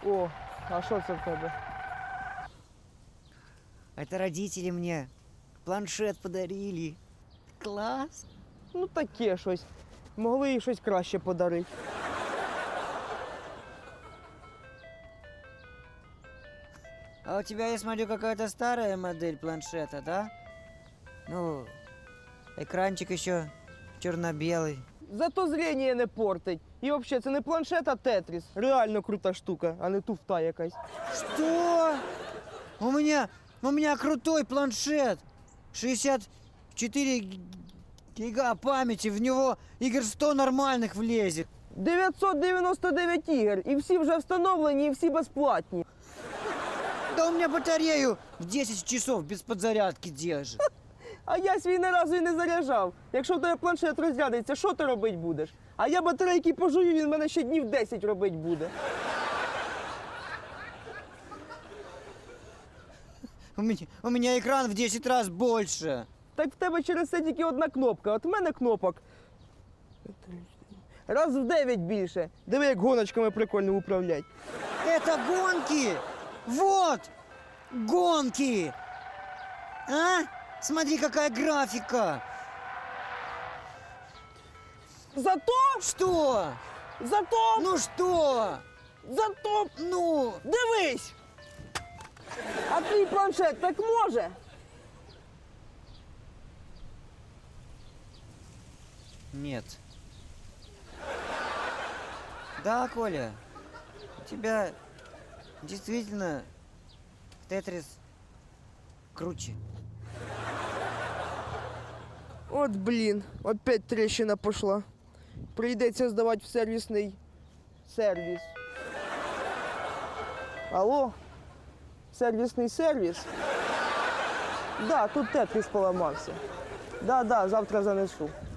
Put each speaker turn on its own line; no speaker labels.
О, а що це в тебе?
Это родители мне планшет подарили. Класс.
Ну таке щось. Могли їй щось краще подарити.
А у тебя, я смотрю, какая-то старая модель планшета, да? Ну, экранчик еще черно-белый.
Зато зрення не портить. І взагалі це не планшет, а тетріс. Реально крута штука, а не туфта якась.
Что? У меня крутой планшет. 64 гига памяти, в него игр 100 нормальных влезет.
999 ігор, і всі вже встановлені, і всі безплатні.
Да у меня батарею в 10 часов без подзарядки держит.
А я свій ні разу і не заряджав. Якщо в тебе планшет розрядиться, що ти робити будеш? А я батарейки пожую, він мене ще днів 10 робити буде.
У меня экран в 10 раз больше.
Так в тебе через це тільки одна кнопка. От в мене кнопок раз в 9 більше. Диви, як гоночками прикольно управлять.
Это гонки! Вот! Гонки! А? Смотри, какая графика!
Зато,
Что?
зато,
Ну что?
зато,
Ну,
дивись! А твій планшет так може?
нет. Да, Коля, у тебя действительно Тетрис круче.
От блін, опять тріщина пішла. Прийдеться здавати в сервісний сервіс. Алло? Сервісний сервіс? Да, тут тетріс поламався. Да, завтра занесу.